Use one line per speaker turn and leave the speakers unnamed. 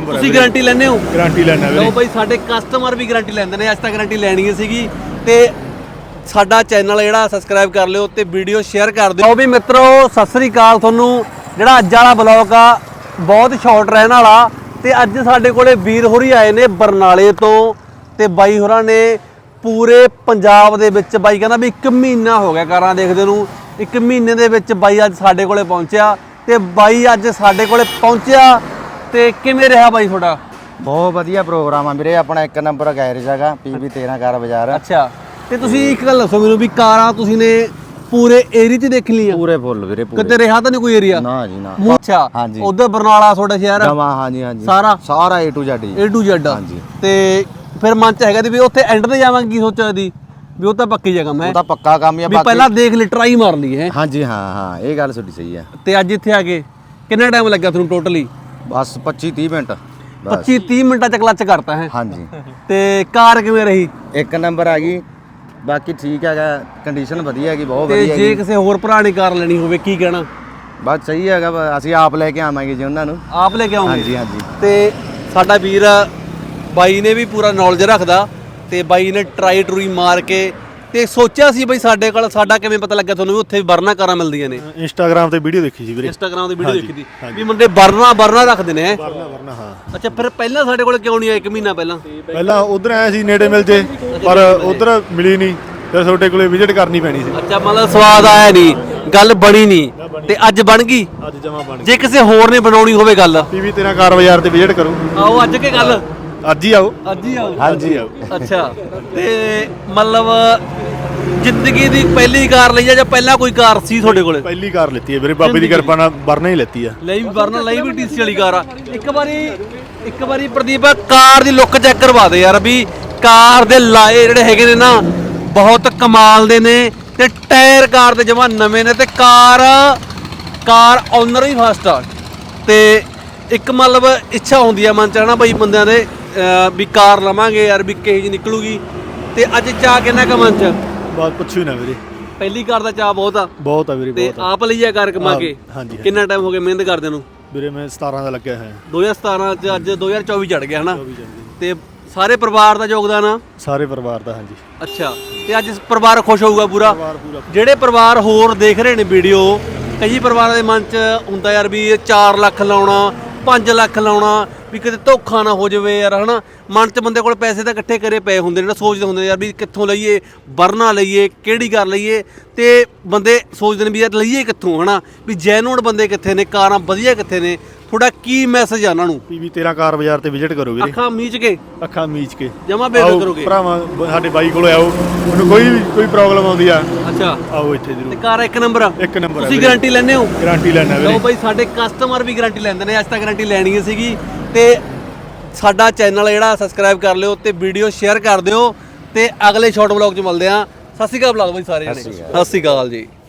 Number
ਤੁਸੀਂ guarantee ਲੈਂਦੇ ਹੋ?
ਗਾਰੰਟੀ ਲੈਣਾ ਵੀਰੇ।
ਲਓ ਬਾਈ ਸਾਡੇ ਕਸਟਮਰ ਵੀ ਗਾਰੰਟੀ ਲੈਂਦੇ ਨੇ। ਅੱਜ ਤਾਂ ਗਾਰੰਟੀ ਲੈਣੀ ਸੀਗੀ ਤੇ ਸਾਡਾ ਚੈਨਲ ਜਿਹੜਾ ਸਬਸਕ੍ਰਾਈਬ ਕਰ ਲਿਓ ਤੇ ਵੀਡੀਓ ਸ਼ੇਅਰ ਕਰ ਦਿਓ। ਵੀ ਮਿੱਤਰੋ ਸਤਿ ਸ੍ਰੀ ਅਕਾਲ ਤੁਹਾਨੂੰ। ਜਿਹੜਾ ਅੱਜ ਵਾਲਾ ਬਲੌਗ ਆ ਬਹੁਤ ਸ਼ਾਰਟ ਰਹਿਣ ਵਾਲਾ ਤੇ ਅੱਜ ਸਾਡੇ ਕੋਲੇ ਵੀਰ ਹੋਰੀ ਆਏ ਨੇ ਬਰਨਾਲੇ ਤੋਂ ਤੇ ਬਾਈ ਹੋਰਾਂ ਨੇ ਪੂਰੇ ਪੰਜਾਬ ਦੇ ਵਿੱਚ ਬਾਈ ਕਹਿੰਦਾ ਵੀ 1 ਮਹੀਨਾ ਹੋ ਗਿਆ ਕਾਰਾਂ ਦੇਖਦੇ ਨੂੰ। 1 ਮਹੀਨੇ ਦੇ ਵਿੱਚ ਬਾਈ ਅੱਜ ਸਾਡੇ ਕੋਲੇ ਪਹੁੰਚਿਆ ਤੇ ਬਾਈ ਅੱਜ ਸਾਡੇ ਕੋਲੇ ਪਹੁੰਚਿਆ ਤੇ ਕਿਵੇਂ ਰਿਹਾ ਬਾਈ ਤੁਹਾਡਾ?
ਬਹੁਤ ਵਧੀਆ ਪ੍ਰੋਗਰਾਮ ਆ ਵੀਰੇ। ਆਪਣਾ 1 ਨੰਬਰ ਗੈਰੇਜ ਹੈਗਾ PB 13 ਕਾਰ ਬਾਜ਼ਾਰ।
ਅੱਛਾ ਤੇ ਤੁਸੀਂ ਇੱਕ ਗੱਲ ਦੱਸੋ ਮੈਨੂੰ ਵੀ ਕਾਰਾਂ ਤੁਸੀਂ ਨੇ ਪੂਰੇ ਏਰੀਆ 'ਚ ਦੇਖ ਲਈਆਂ?
ਪੂਰੇ ਫੁੱਲ ਵੀਰੇ ਪੂਰੇ।
ਕਿਤੇ ਰਿਹਾ ਤਾਂ ਨਹੀਂ ਕੋਈ ਏਰੀਆ?
ਨਾ ਜੀ ਨਾ।
ਅੱਛਾ
ਹਾਂਜੀ।
ਉਧਰ ਬਰਨਾਲਾ ਤੁਹਾਡਾ ਸ਼ਹਿਰ
ਜਮਾ ਹਾਂਜੀ ਹਾਂਜੀ
ਸਾਰਾ
A to Z
A to Z
ਹਾਂਜੀ।
ਤੇ ਫਿਰ ਮਨ ਚ ਹੈਗਾ ਵੀ ਉੱਥੇ ਐਂਡ ਤੇ ਜਾਵਾਂਗੇ ਕੀ ਸੋਚਿਆ ਦੀ ਵੀ ਉਹ ਤਾਂ ਪੱਕੀ ਜਗ੍ਹਾ ਮੈਂ
ਉਹ ਤਾਂ ਪੱਕਾ ਕੰਮ ਹੀ ਆ।
ਵੀ ਪਹਿਲਾਂ ਦੇਖ ਲਈ ਟਰਾਈ ਮਾਰ ਲਈ ਹੈ।
ਹਾਂਜੀ ਹਾਂ ਇਹ ਗੱਲ ਤੁਹਾਡੀ ਸਹੀ ਆ।
ਤੇ ਅੱਜ ਇੱਥੇ ਆ ਕੇ ਕਿੰਨਾ ਟਾਈਮ ਲੱਗਾ ਤੁਹਾਨੂੰ ਟੋਟਲੀ?
ਬਸ 25-30 ਮਿੰਟ।
25-30 ਮਿੰਟਾਂ ਚ ਕਲੱਚ ਕਰਤਾ ਹੈ।
ਹਾਂਜੀ
ਤੇ ਕਾਰ ਕਿਵੇਂ ਰਹੀ?
1 ਨੰਬਰ ਆ ਗਈ। ਬਾਕੀ ਠੀਕ ਹੈਗਾ, ਕੰਡੀਸ਼ਨ ਵਧੀਆ ਹੈਗੀ, ਬਹੁਤ
ਤੇ
ਵਧੀਆ
ਜੇ ਕਿਸੇ ਹੋਰ ਭਰਾ ਨੇ ਕਾਰ ਲੈਣੀ ਹੋਵੇ ਕੀ ਕਹਿਣਾ?
ਬਸ ਸਹੀ ਹੈਗਾ। ਅਸੀਂ ਆਪ ਲੈ ਕੇ ਆਵਾਂਗੇ ਜੀ ਉਹਨਾਂ ਨੂੰ।
ਆਪ ਲੈ ਕੇ ਆਉਂਗੇ?
ਹਾਂਜੀ ਹਾਂਜੀ।
ਤੇ ਸਾਡਾ ਵੀਰ ਬਾਈ ਨੇ ਵੀ ਪੂਰਾ ਨੌਲੇਜ ਰੱਖਦਾ ਤੇ ਬਾਈ ਨੇ ਟਰਾਈ ਮਾਰ ਕੇ ਤੇ ਸੋਚਿਆ ਸੀ ਬਈ ਸਾਡੇ ਕੋਲ ਸਾਡਾ ਕਿਵੇਂ ਪਤਾ ਲੱਗਿਆ ਤੁਹਾਨੂੰ ਵੀ ਉੱਥੇ ਬਰਨਾ ਕਾਰਾਂ ਮਿਲਦੀਆਂ ਨੇ?
ਇੰਸਟਾਗ੍ਰਾਮ ਤੇ ਵੀਡੀਓ ਦੇਖੀ ਸੀ ਵੀਰੇ।
ਇੰਸਟਾਗ੍ਰਾਮ ਤੇ ਵੀਡੀਓ ਦੇਖੀ ਸੀ ਵੀ ਮੁੰਡੇ ਬਰਨਾ ਰੱਖਦੇ ਨੇ।
ਵਰਨਾ ਹਾਂ।
ਅੱਛਾ ਫਿਰ ਪਹਿਲਾਂ ਸਾਡੇ ਕੋਲ ਕਿਉਂ ਨਹੀਂ ਆਇਆ 1 ਮਹੀਨਾ ਪਹਿਲਾਂ?
ਪਹਿਲਾਂ ਉਧਰ ਆਇਆ ਸੀ ਨੇੜੇ ਮਿਲ ਜੇ, ਪਰ ਉਧਰ ਮਿਲੀ ਨਹੀਂ, ਫਿਰ ਤੁਹਾਡੇ ਕੋਲੇ ਵਿਜ਼ਿਟ ਕਰਨੀ ਪੈਣੀ ਸੀ।
ਅੱਛਾ ਮਤਲਬ ਸਵਾਦ ਆਇਆ ਨਹੀਂ, ਗੱਲ ਬਣੀ ਨਹੀਂ ਤੇ ਅੱਜ ਬਣ ਗਈ।
ਅੱਜ ਜਮਾ ਬਣ
ਜੇ ਕਿਸੇ ਹੋਰ ਨੇ ਬਣਾਉਣੀ ਹੋਵੇ ਗੱਲ
PB 13 ਕਾਰ ਬਾਜ਼ਾਰ ਤੇ ਵਿਜ਼ਿਟ ਕਰੋ।
ਆਓ ਅੱਜ ਕੇ ਗੱਲ
ਅੱਜ ਹੀ ਆਓ।
ਅੱਜ ਹੀ ਆਓ।
ਹਾਂਜੀ
ਅੱਛਾ ਤੇ ਮਤਲਬ ਜ਼ਿੰਦਗੀ ਦੀ ਪਹਿਲੀ ਕਾਰ ਲਈ ਆ ਜਾਂ ਪਹਿਲਾਂ ਕੋਈ ਕਾਰ ਸੀ ਤੁਹਾਡੇ ਕੋਲੇ?
ਪਹਿਲੀ ਕਾਰ ਲੈਤੀ ਹੈ ਵੀਰੇ, ਬਾਬੇ ਦੀ ਕਿਰਪਾ ਨਾਲ ਵਰਨਾ ਹੀ ਲੈਤੀ ਆ।
ਲਈ ਵੀ ਵਰਨਾ ਲਈ ਵੀ TC ਵਾਲੀ ਕਾਰ ਆ। ਇੱਕ ਵਾਰੀ ਪ੍ਰਦੀਪ ਕਾਰ ਦੀ ਲੁੱਕ ਚੈੱਕ ਕਰਵਾ ਦੇ ਯਾਰ ਵੀ ਕਾਰ ਦੇ ਲਾਏ ਜਿਹੜੇ ਹੈਗੇ ਨੇ ਨਾ ਬਹੁਤ ਕਮਾਲ ਦੇ ਨੇ ਤੇ ਟਾਇਰ ਕਾਰ ਦੇ ਜਮਾ ਨਵੇਂ ਨੇ ਤੇ ਕਾਰ ਓਨਰ ਵੀ ਫਸਟ ਆ। ਤੇ ਇੱਕ ਮਤਲਬ ਇੱਛਾ ਹੁੰਦੀ ਆ ਮਨ ਚ ਹਨਾ ਬਈ ਬੰਦਿਆਂ ਦੇ ਵੀ ਕਾਰ ਲਵਾਂਗੇ ਯਾਰ ਵੀ ਕਿਹੋ ਜਿਹੀ ਨਿਕਲੂਗੀ ਤੇ ਅੱਜ ਚਾਹ ਕਿੰਨਾ ਕੁ ਮਨ ਚ?
ਬਾਤ ਪੁੱਛੋ ਹੀ ਨਾ ਵੀਰੇ,
ਪਹਿਲੀ ਕਾਰ ਦਾ ਚਾਹ ਬਹੁਤ ਆ
ਵੀਰੇ
ਤੇ
ਬਹੁਤ ਆ।
ਆਪ ਲਈ ਆ ਕਾਰ ਕਮਾ ਕੇ?
ਹਾਂਜੀ
ਕਿੰਨਾ ਟਾਈਮ ਹੋ ਗਿਆ ਮਿਹਨਤ ਕਰਦੇ ਨੂੰ?
ਵੀਰੇ ਮੈਂ 17 ਦਾ ਲੱਗਿਆ ਹੋਇਆ।
2017 ਚ ਅੱਜ 2024 ਚੜ ਗਿਆ ਹਨਾ ਤੇ ਸਾਰੇ ਪਰਿਵਾਰ ਦਾ ਯੋਗਦਾਨ ਆ?
ਸਾਰੇ ਪਰਿਵਾਰ ਦਾ ਹਾਂਜੀ।
ਅੱਛਾ ਤੇ ਅੱਜ ਪਰਿਵਾਰ ਖੁਸ਼ ਹੋਊਗਾ ਪੂਰਾ?
ਪੂਰਾ।
ਜਿਹੜੇ ਪਰਿਵਾਰ ਹੋਰ ਦੇਖ ਰਹੇ ਨੇ ਵੀਡੀਓ, ਕਈ ਪਰਿਵਾਰਾਂ ਦੇ ਮਨ 'ਚ ਹੁੰਦਾ ਯਾਰ ਵੀ 4 ਲੱਖ ਲਾਉਣਾ 5 ਲੱਖ ਲਾਉਣਾ ਵੀ ਕਿਤੇ ਧੋਖਾ ਨਾ ਹੋ ਜਾਵੇ ਯਾਰ ਹਨਾ। ਮਨ 'ਚ ਬੰਦੇ ਕੋਲ ਪੈਸੇ ਤਾਂ ਇਕੱਠੇ ਕਰੇ ਪਏ ਹੁੰਦੇ ਨੇ ਨਾ, ਸੋਚਦੇ ਹੁੰਦੇ ਨੇ ਯਾਰ ਵੀ ਕਿੱਥੋਂ ਲਈਏ, ਵਰਨਾ ਲਈਏ, ਕਿਹੜੀ ਕਰ ਲਈਏ ਤੇ ਬੰਦੇ ਸੋਚਦੇ ਨੇ ਵੀ ਯਾਰ ਲਈਏ ਕਿੱਥੋਂ ਹਨਾ, ਵੀ ਜੈਨੂਨ ਬੰਦੇ ਕਿੱਥੇ ਨੇ, ਕਾਰਾਂ ਵਧੀਆ ਕਿੱਥੇ ਨੇ। ਥੋੜਾ ਕੀ ਮੈਸੇਜ ਆ ਉਹਨਾਂ ਨੂੰ?
PB 13 ਕਾਰ ਬਾਜ਼ਾਰ ਤੇ ਵਿਜ਼ਿਟ ਕਰੋ ਵੀਰੇ।
ਅੱਖਾਂ ਮੀਚ ਕੇ
ਅੱਖਾਂ ਮੀਚ ਕੇ
ਜਮਾ ਬੇਫਿਕਰ ਕਰੋਗੇ?
ਭਰਾਵਾਂ ਸਾਡੇ ਬਾਈ ਕੋਲ ਆਓ, ਉਹਨੂੰ ਕੋਈ ਪ੍ਰੋਬਲਮ ਆਉਂਦੀ ਆ
ਅੱਛਾ
ਆਓ ਇੱਥੇ
ਤੇ
ਜ਼ਰੂਰ।
ਕਾਰ 1 ਨੰਬਰ ਆ?
1 ਨੰਬਰ
ਤੁਸੀਂ ਗਾਰੰਟੀ ਲੈਂਦੇ ਹੋ?
ਗਾਰੰਟੀ ਲੈਣਾ ਵੀਰੇ।
ਲਓ ਬਾਈ ਸਾਡੇ ਕਸਟਮਰ ਵੀ ਗਾਰੰਟੀ ਲੈਂਦੇ ਨੇ। ਅੱਜ ਤਾਂ ਗਾਰੰਟੀ ਲੈਣੀ ਸੀਗੀ ਤੇ ਸਾਡਾ ਚੈਨਲ ਜਿਹੜਾ ਸਬਸਕ੍ਰਾਈਬ ਕਰ ਲਿਓ ਤੇ ਵੀਡੀਓ ਸ਼ੇਅਰ ਕਰ ਦਿਓ ਤੇ ਅਗਲੇ ਸ਼ਾਰਟ ਵਲੌਗ 'ਚ ਮਿਲਦੇ ਆ। ਸਤਿ ਸ਼੍ਰੀ ਅਕਾਲ ਬੁਲਾ ਦਿਓ ਬਾਈ ਸਾਰੇ ਜਣੇ। ਸਤਿ ਸ਼੍ਰੀ ਅਕਾਲ ਜੀ।